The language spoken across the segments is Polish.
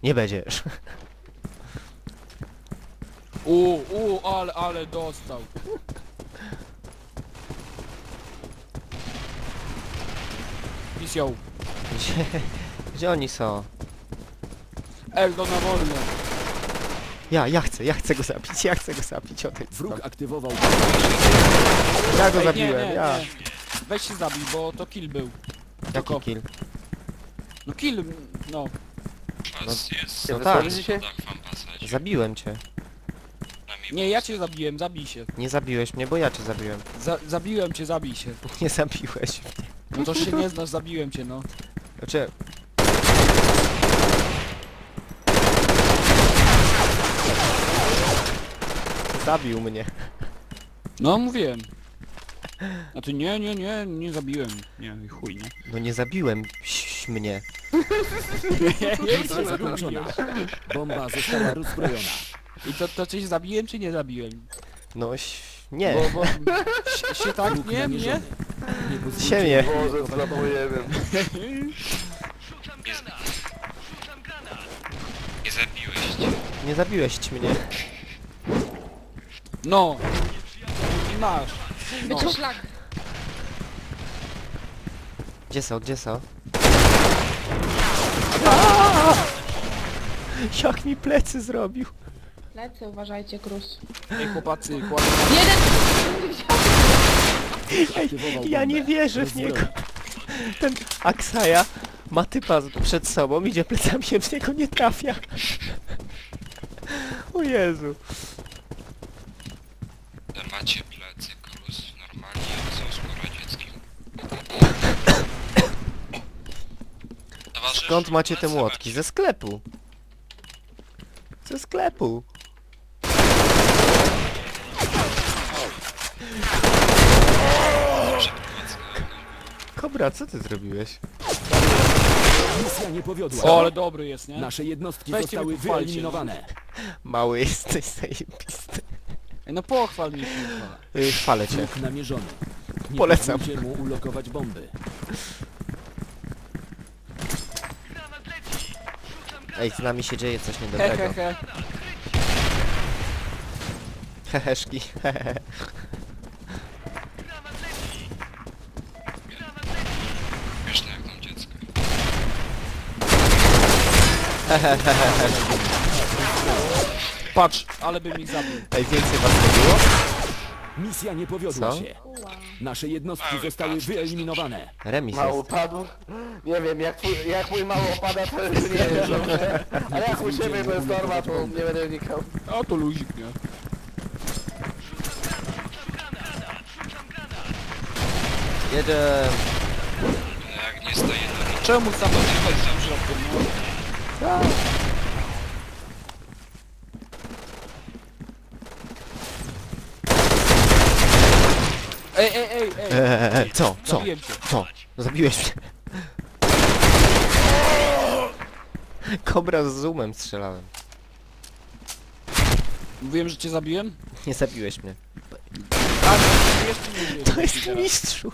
Nie będziesz. Ale dostał. Pisał. Gdzie oni są? Eldo na wolne. Ja chcę go zabić, odejdź Wróg stąd. aktywował... Ja go Ej, zabiłem, nie. ja. Weź się zabij, bo to kill był. Jaki Tylko- kill? No kill, no. Was jest No na tak. schodach w ambasadzie. Zabiłem cię. Na mi Nie, ja cię zabiłem, zabij się. Nie zabiłeś mnie, bo ja cię zabiłem. Zabiłem cię, zabij się. Nie zabiłeś mnie. No to się nie znasz, zabiłem cię, no. Znaczy... Zabił mnie. No mówiłem. A ty nie zabiłem. Nie, chuj, nie. No nie zabiłem mnie. Misja zakończona. Bomba została rozbrojona. I to coś zabiłem czy nie zabiłem? No nie. Bo się tak Wróg nie, namierzony. nie? Nie pozwólcie Siemię. mu Boże, zlapujemy. nie zabiłeś. Nie zabiłeś mnie. No. I masz. No. Będzie szlak. Gdzie są? Jak mi plecy zrobił. Lecę, uważajcie, Krus. Ej chłopacy, kładę. Jeden! aktywował Ja nie bombę. wierzę w niego. Rozbrojona. Ten Aksaja ma typa przed sobą, idzie plecami, a w niego nie trafia. O Jezu. Macie plecy, Krus, normalnie jak w Związku Radzieckim. Towarzysz, Skąd macie te plecy młotki? Ze sklepu. Ze sklepu. Kobra, co ty zrobiłeś? Misja nie powiodła O, się. ale dobry jest, nie? Nasze jednostki Weźcie zostały mi pochwalcie. wyeliminowane. Mały jesteś zajebisty. Ej, no pochwal mnie, kurwa. Chwalę cię. Wróg namierzony. Nie Polecam. pozwólcie mu ulokować bomby. Ej, z nami się dzieje coś He, niedobrego. he, he. Heheszki. Hehe. Śmieszne jak tam dziecko. Patrz, ale bym ich zabił. Ej, więcej was nie było? Misja nie powiodła Co? się. Nasze jednostki zostały wyeliminowane. Remis Mało jest. padł? Nie wiem, jak mój mało opada, to już nie wiem, dobrze. Ale jak u siebie to jest norma, to nie będę wnikał. O, to luzik, nie? Jeden. No jak nie stoję na Czemu sam do tego w środku, no? Ej. Co? Zabiłem cię. Co? Zabiłeś mnie. Kobra z zoomem strzelałem. Mówiłem, że cię zabiłem? Nie zabiłeś mnie. Tak, jeszcze nie To jest mistrzu.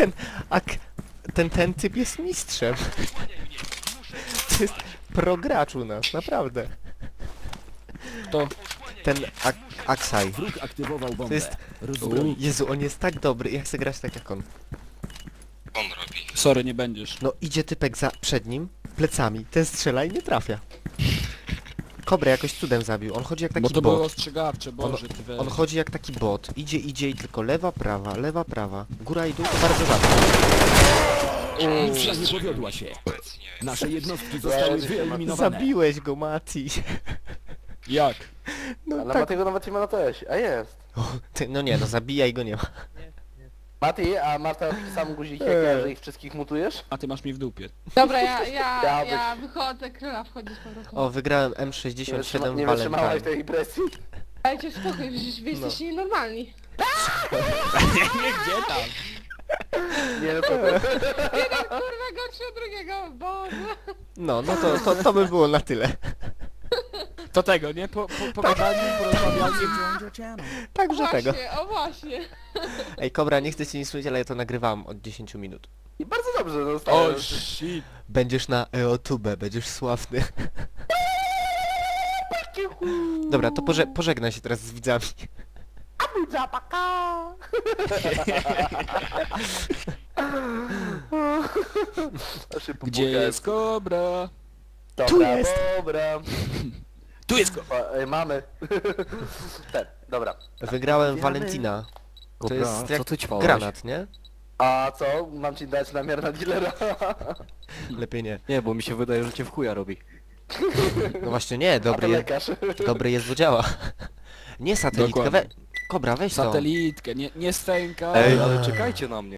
Ten typ jest mistrzem. To jest progracz u nas, naprawdę. To. Ten Aksaj. Wróg aktywował bombę. To jest... Rozbrojony. Jezu, on jest tak dobry. Ja chcę grać tak jak on. on robi. Sorry, nie będziesz. No idzie typek przed nim, plecami. Ten strzela i nie trafia. Kobrę jakoś cudem zabił. On chodzi jak Bo taki to było bot. ostrzegawcze, Boże, ty weź. On chodzi jak taki bot. Idzie i tylko lewa, prawa. Góra i dół to bardzo rzadko. Misja nie powiodła się. Obecnie. Nasze jednostki zostały wyeliminowane. Zabiłeś go, Mati. Jak? No Ale tak. Matiego nawet nie ma na teś, a jest. O, no nie, no zabijaj go nie ma. Mati, a Marta sam guzik jak ja, że ich wszystkich mutujesz? A ty masz mi w dupie. Dobra, ja Chciałbyś. wychodzę, króla wchodzi z powrotem. O, wygrałem Nie, M67 nie wytrzymałaś Valentine. tej impresji? Dajcie spokój, przecież wy jesteście nienormalni. Nie, gdzie tam? Nie, no to... Kurwa, gorszy od drugiego, Boże. No to by było na tyle. To tego, nie? Pogadanie, porozmawianie. Także tego. Właśnie, o właśnie. Ej, Kobra, nie chcę ci nic mówić, ale ja to nagrywam od 10 minut. I bardzo dobrze, no O, stałem. shit. Będziesz na EOTube, będziesz sławny. Dobra, to pożegnaj się teraz z widzami. Zapaka! Gdzie jest kobra? Dobra, Tu jest! Dobra. Tu jest kobra! Mamy. Dobra. Wygrałem Valentina. To Dobra, jest co jak ty ćpałeś? granat, nie? A co? Mam ci dać namiar na dealera? Lepiej nie. Nie, bo mi się wydaje, że cię w chuja robi. No właśnie nie, A to dobry jest, lekarz. dobry jest, bo działa. Nie satelitka, Dokładnie. Kobra, weź to. Satelitkę, nie stęka. Ej, ale czekajcie na mnie.